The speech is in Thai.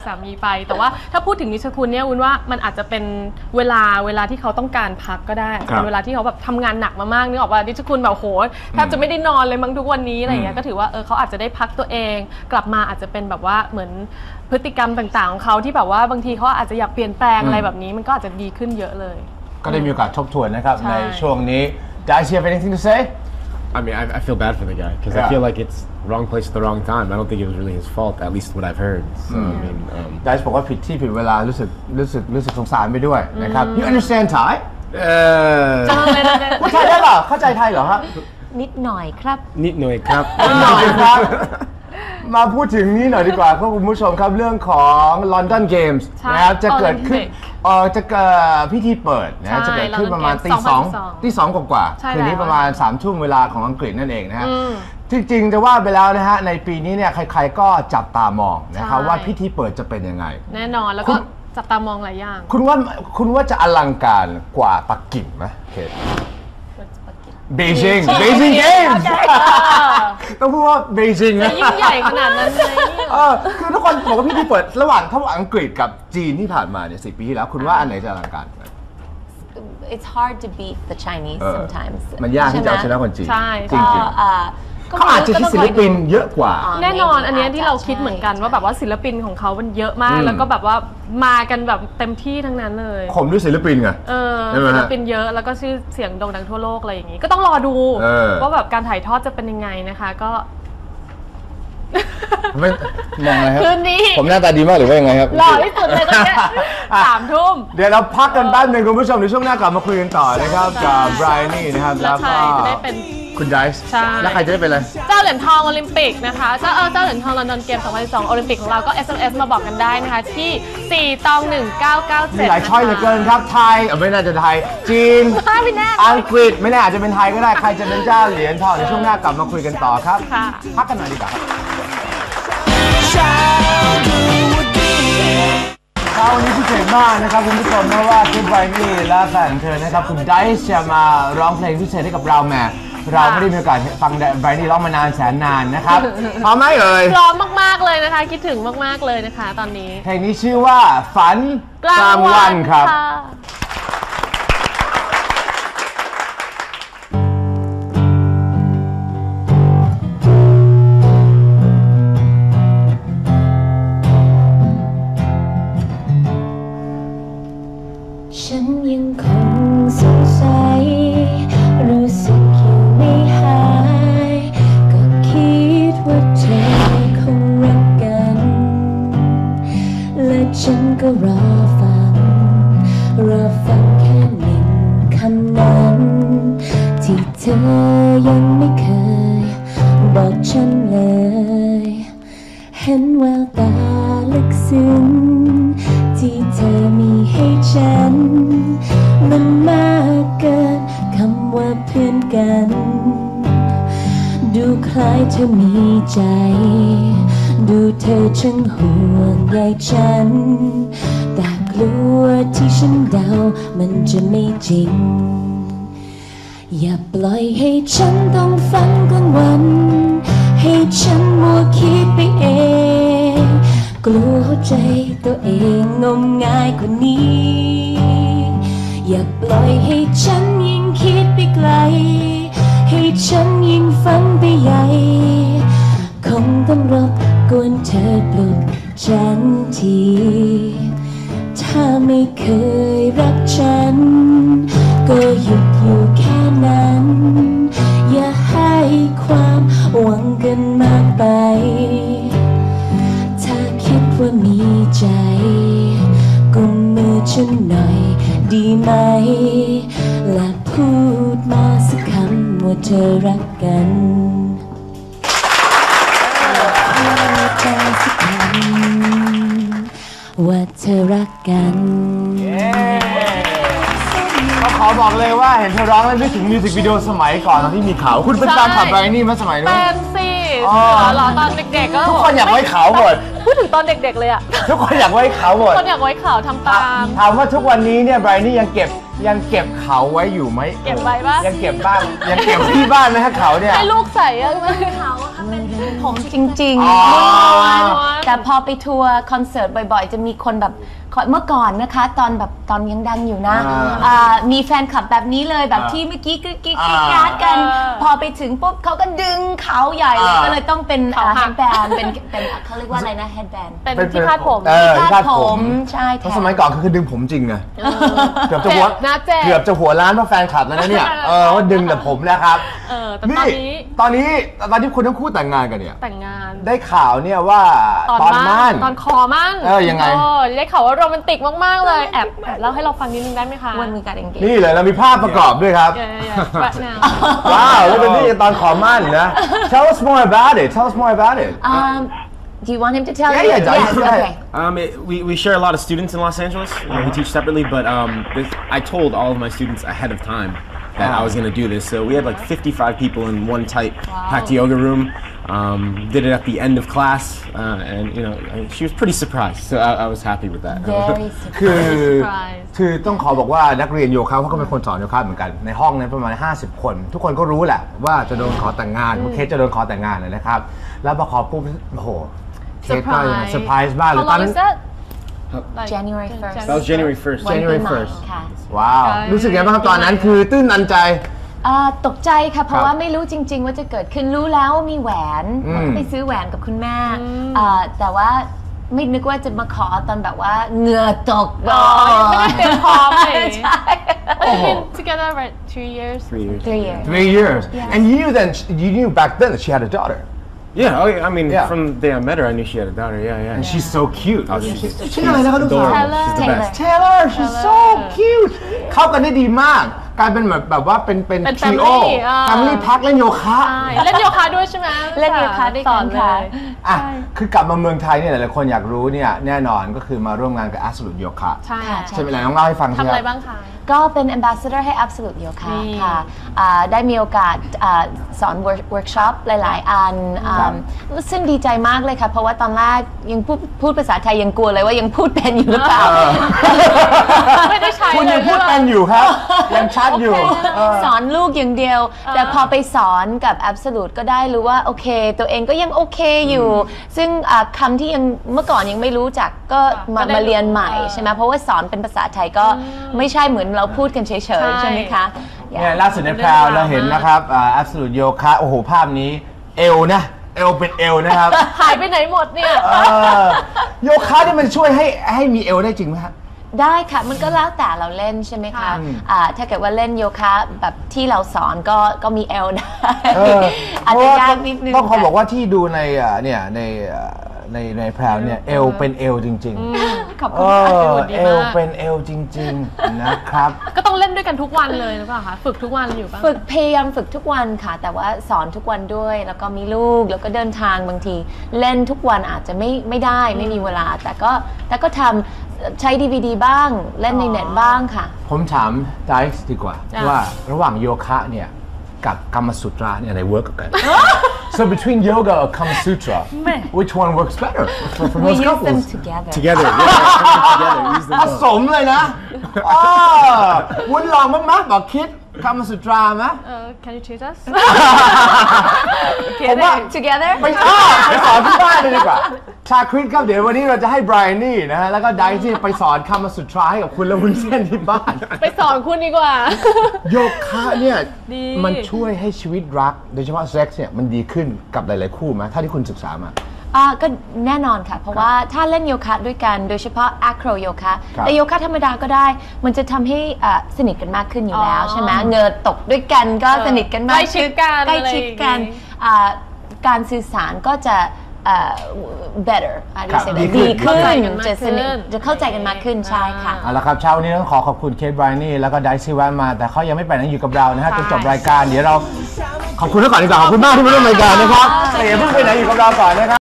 สามีไปแต่ว่าถ้าพูดถึงนิชคุณเนี่ยวุ้นว่ามันอาจจะเป็นเวลาที่เขาต้องการพักก็ได้เป็นเวลาที่เขาแบบทำงานหนักมามากนึกออกว่านิชคุณแบบโหแทบจะไม่ได้นอนเลยมั้งทุกวันนี้อะไรอย่างเงี้ยก็ถือว่าเขาอาจจะได้พักตัวเองกลับมาอาจจะเป็นแบบว่าเหมือนพฤติกรรมต่างๆของเขาที่แบบว่าบางทีเขาอาจจะอยากเปลี่ยนแปลงอะไรแบบนี้มันก็อาจจะดีขึ้นเยอะเลยก็ได้มีโอกาสทบทวนนะครับในช่วงนี้ Does she have anything to say? I mean, I feel bad for the guy because I feel like it's wrong place at the wrong time. I don't think it was really his fault, at least what I've heard. So I mean, Dice บอกว่าผิดที่ผิดเวลารู้สึกสงสารไปด้วยนะครับ You understand Thai? พูดไทยได้เหรอเข้าใจไทยเหรอครับนิดหน่อยครับนิดหน่อยครับนิดหน่อยครับมาพูดถึงนี้หน่อยดีกว่าคุณผู้ชมครับเรื่องของ London Games นะครับจะเกิดขึ้นจะเกิดพิธีเปิดนะจะเกิดขึ้นประมาณตีสองกว่าคืนนี้ประมาณ3 ทุ่มเวลาของอังกฤษนั่นเองนะฮะจริงๆจะว่าไปแล้วนะฮะในปีนี้เนี่ยใครๆก็จับตามองนะครับว่าพิธีเปิดจะเป็นยังไงแน่นอนแล้วก็จับตามองหลายอย่างคุณว่าจะอลังการกว่าปักกิ่งไหมเคทBeijing Games ต้องพูดว่าเบจิงนะยิ่งใหญ่ขนาดนั้นเลยคือทุกคนบอกว่าพิธีเปิดระหว่างอังกฤษกับจีนที่ผ่านมาเนี่ย10 ปีที่แล้วคุณว่าอันไหนจะอลังการ It's hard to beat the Chinese sometimes มันยากที่จะเอาชนะคนจีนจริงเขาอาจจะคิดศิลปินเยอะกว่าแน่นอนอันนี้ที่เราคิดเหมือนกันว่าแบบว่าศิลปินของเขามันเยอะมากแล้วก็แบบว่ามากันแบบเต็มที่ทั้งนั้นเลยผมด้วยศิลปินไงศิลปินเยอะแล้วก็ชื่อเสียงโด่งดังทั่วโลกอะไรอย่างนี้ก็ต้องรอดูว่าแบบการถ่ายทอดจะเป็นยังไงนะคะก็ไม่มองอะไรครับคืนนี้ผมหน้าตาดีมากหรือว่ายังไงครับหล่อที่สุดเลยตอนนี้3 ทุ่มเดี๋ยวเราพักกันแป๊บนึงคุณผู้ชมในช่วงหน้ากลับมาคุยกันต่อนะครับกับไบรนี่นะครับแล้วก็จะได้เป็นคุณไดซ์แล้วใครจะได้เป็นอะไรเจ้าเหรียญทองโอลิมปิกนะคะเจ้าเหรียญทองลอนดอนเกม2012โอลิมปิกของเราก็ SMS มาบอกกันได้นะคะที่41997 มีหลายช้อยเหลือเกินครับไทยไม่น่าจะไทยจีนอังกฤษไม่แน่อาจจะเป็นไทยก็ได้ใครจะเป็นเจ้าเหรียญทองในช่วงหน้ากลับมาคุยกันต่อครับพักกันหน่อยดีกว่าวันนี้พิเศษมากนะครับคุณผู้ชมเพราะว่าคุณไบรนี่และแฟนเธอนะครับคุณไดซ์จะมาร้องเพลงพิเศษให้กับเราแม่เราไม่ได้มีโอกาสฟังไบรนี่ร้องมานานแสนนานนะครับพร้อมไหมเอ่ยพร้อมมากๆเลยนะคะคิดถึงมากๆเลยนะคะตอนนี้เพลงนี้ชื่อว่าฝันกลางวันครับฉันยังคงสงสัยรู้สึกอยู่ไม่หายก็คิดว่าเธอคงรักกันและฉันก็รอฟังแค่หนึ่งคำนั้นที่เธอยังไม่เคยบอกฉันเลยเห็นแววตาลึกซึ้งที่เธอมีให้ฉันมันมากเกินคำว่าเพื่อนกันดูคล้ายเธอมีใจดูเธอช่างห่วงใยฉันแต่กลัวที่ฉันเดามันจะไม่จริงอย่าปล่อยให้ฉันต้องฝันกลางวันให้ฉันมัวคิดไปเองกลัวหัวใจตัวเองงมงายกว่านี้อย่าปล่อยให้ฉันยิ่งคิดไปไกลให้ฉันยิ่งฝันไปใหญ่คงต้องรบกวนเธอปลุกฉันทีถ้าไม่เคยรักฉันก็หยุดอยู่แค่นั้นอย่าให้ความหวังกันมากไปถ้าคิดว่ามีใจกุมมือฉันหน่อยดีไหมและพูดมาสักคำว่าเธอรักกันพูดมาสักคำว่าเธอรักกันก็ขอบอกเลยว่าเห็นเธอร้องแล้วนึกถึงมิวสิกวิดีโอสมัยก่อนตอนที่มีเขาคุณเป็นแฟนคลับไบรนี่มาสมัยนู้นเป็นสิหรอตอนเด็กๆก็ทุกคนอยากไว้เขาหมดพูดถึงตอนเด็กๆเลยอะทุกคนอยากไว้เขาหมดทุกคนอยากไว้เขาทำตามถามว่าทุกวันนี้เนี่ยไบรนี่ยังเก็บเขาไว้อยู่ไหมเก็บไว้ปะยังเก็บบ้างยังเก็บที่บ้านไหมฮะเขาเนี่ยให้ลูกใส่อะไม่เขาค่ะเป็นผมจริงอ๋อๆแต่พอไปทัวร์คอนเสิร์ตบ่อยๆ จะมีคนแบบเมื่อก่อนนะคะตอนยังดังอยู่นะมีแฟนคลับแบบนี้เลยแบบที่เมื่อกี้กรี๊ดกราดกัน พอไปถึงปุ๊บเขาก็ดึงเขาใหญ่เลยก็เลยต้องเป็นเฮดแบนเป็นเขาเรียกว่าอะไรนะเฮดแบนเป็นที่คาดผมที่คาดผมใช่เพราะสมัยก่อนคือดึงผมจริงไงเกือบจะหัวหน้าเจ็บเกือบจะหัวล้านเพราะแฟนคลับแล้วนะเนี่ยว่าดึงแต่ผมนะครับแต่ตอนนี้คุณทั้งคู่แต่งงานกันเนี่ยแต่งงานได้ข่าวเนี่ยว่าตอนมั่นตอนคอมั่นยังไงได้ข่าวว่าโรแมนติกมากๆเลยแอบเล่าให้เราฟังนิดนึงได้ไหมคะวันมีการ engage นี่เลยเรามีภาพประกอบด้วยครับ right now ว้าวแล้วเป็นนี่ตอนขอมั่นนะ Tell us more about it Tell us more about it Do you want him to tell Yeah, you? yeah, Yes, yeah. okay. We share a lot of students in Los Angeles. We teach separately, but I told all of my students ahead of time that I was going to do this. So we had like 55 people in one tight packed yoga room. Did it at the end of class, and she was pretty surprised. So I was happy with that. Very คือต้องขอบอกว่านักเรียนโยคะเขาก็เป็นคนสอนโยคะเหมือนกันในห้องนั้นประมาณ50 คนทุกคนก็รู้แหละว่าจะโดนขอแต่งงานเคสจะโดนขอแต่งงานเลยนะครับแล้วพอขอปุ๊บโอ้โหเคสก็เซอร์ไพรส์มากเลย How long is that? January 1st. That was January 1st. January วันปีใหม่ 1st ค่ะว้าวรู้สึกไงบ้างครับตอนนั้นคือตื้นตันใจตกใจค่ะเพราะว่าไม่รู้จริง ๆ ว่าจะเกิดขึ้นรู้แล้วว่ามีแหวนไปซื้อแหวนกับคุณแม่แต่ว่าไม่นึกว่าจะมาขอตอนแบบว่าเหงื่อตกไม่ได้เตรียมพร้อมเลยใช่ But you've been together right 3 years 3 years. 3 years 3 years and you knew back then that she had a daughter Yeah, I mean, Yeah. from the day I met her, I knew she had a daughter. Yeah. and she's so cute Oh, she's ชื่ออะไรนะครับลูกสาว adorable. She's the Taylor. best. Taylor she's so cute เข้ากันได้ดีมากกลายเป็นแบบว่าเป็นเป็น trio family family pack เล่นโยคะใช่เล่นโยคะด้วยใช่ไหมเล่นโยคะด้วยกันค่ะอ่ะคือกลับมาเมืองไทยเนี่ยหลายๆคนอยากรู้เนี่ยแน่นอนก็คือมาร่วมงานกับ Absolute Yoga ใช่ใช่ไหมล่ะน้องเล่าให้ฟังสิทำคอะไรรับบ้างคะก็เป็น ambassador ให้ Absolute Yoga นี่ค่ะได้มีโอกาสสอนเวิร์กช็อปหลาย ๆ อันซึ่งดีใจมากเลยค่ะ เพราะว่าตอนแรกยังพูดภาษาไทยยังกลัวเลยว่ายังพูดเป็นอยู่หรือเปล่าไม่ได้ใช้คุณยังพูดเป็นอยู่ครับ ยังชัดอยู่สอนลูกอย่างเดียว แต่พอไปสอนกับ Absolute ก็ได้รู้ว่าโอเค ตัวเองก็ยังโอเคอยู่ ซึ่งคำที่ยังเมื่อก่อนยังไม่รู้จักก็มาเรียนใหม่ใช่ไหมเพราะว่าสอนเป็นภาษาไทยก็ไม่ใช่เหมือนเราพูดกันเฉยๆใช่ไหมคะเนี่ยล่าสุดในแพรวเราเห็นนะครับ Absolute Yoga โอ้โหภาพนี้เอวนะเอวเป็นเอวนะครับหายไปไหนหมดเนี่ยโยคะนี่มันช่วยให้มีเอวได้จริงไหมครับได้ค่ะมันก็แล้วแต่เราเล่นใช่ไหมคะถ้าเกิดว่าเล่นโยคะแบบที่เราสอนก็มีเอลได้อาจจะยากนิดนึงต้องขอบอกว่าที่ดูในเนี่ยในแพรวเนี่ยเอวเป็นเอวจริงๆขอบคุณค่ะดีเอมากวเป็นเอวจริงๆนะครับก็ต้องเล่นด้วยกันทุกวันเลยหรือเปล่าคะฝึกทุกวันอยู่ป่ะฝึกพยายามฝึกทุกวันค่ะ แต่ว่าสอนทุกวันด้วยแล้วก็มีลูกแล้วก็เดินทางบางที เล่นทุกวันอาจจะไม่ได้ไม่มีเวลา แต่ก็ทำใช้ DVD บ้างเล่นในเน็ตบ้างค่ะผมถามไดซ์ดีกว่าว่าระหว่างโยคะเนี่ยกับกรรมสุตราเนี่ยอะไรเวิร์กกัน So between yoga or Kama Sutra which one works better for We most use them couples together Together, yeah, use ผ them ส both. มเลยนะวุ้นลองบ้างไหมบอกคิดกรรมสุตราไหม Can you choose us ผมว่า together ไปสอนที่บ้านเลยดีกว่า ชาคริสครับเดี๋ยววันนี้เราจะให้ไบรอันนี่นะฮะแล้วก็ไดซ์นี่ไปสอนคำสุตราให้กับคุณและวุ้นเส้นที่บ้านไปสอนคุณดีกว่าโยคะเนี่ยดีมันช่วยให้ชีวิตรักโดยเฉพาะเซ็กซ์เนี่ยมันดีขึ้นกับหลายๆคู่ไหมถ้าที่คุณศึกษามาก็แน่นอนค่ะ เพราะว่าถ้าเล่นโยคะด้วยกันโดยเฉพาะ acro โยคะครับแต่โยคะธรรมดาก็ได้ มันจะทำให้สนิทกันมากขึ้นอยู่แล้วใช่ไหมเหงือตกด้วยกันก็สนิทกันมากใกล้ชิดกันใกล้ชิดกันอะไรอย่างงี้การสื่อสารก็จะbetter ครับดีดีขึ้ขึ้นนจะสนิทจะเข้าใจกันมากขึ้นใช่ค่ะเอาละครับเช้าวันนี้ต้องขอขอบคุณเคทไบรอันนี่แล้วก็ไดซ์ที่แวะมาแต่เขายังไม่ไปไหนอยู่กับเรานะฮะจนจบรายการเดี๋ยวเราขอบคุณก่อนดีกว่าขอบคุณมากที่มาร่วมรายการนะครับแต่อย่าเพิ่งไปไหนอยู่กับเราก่อนนะครับ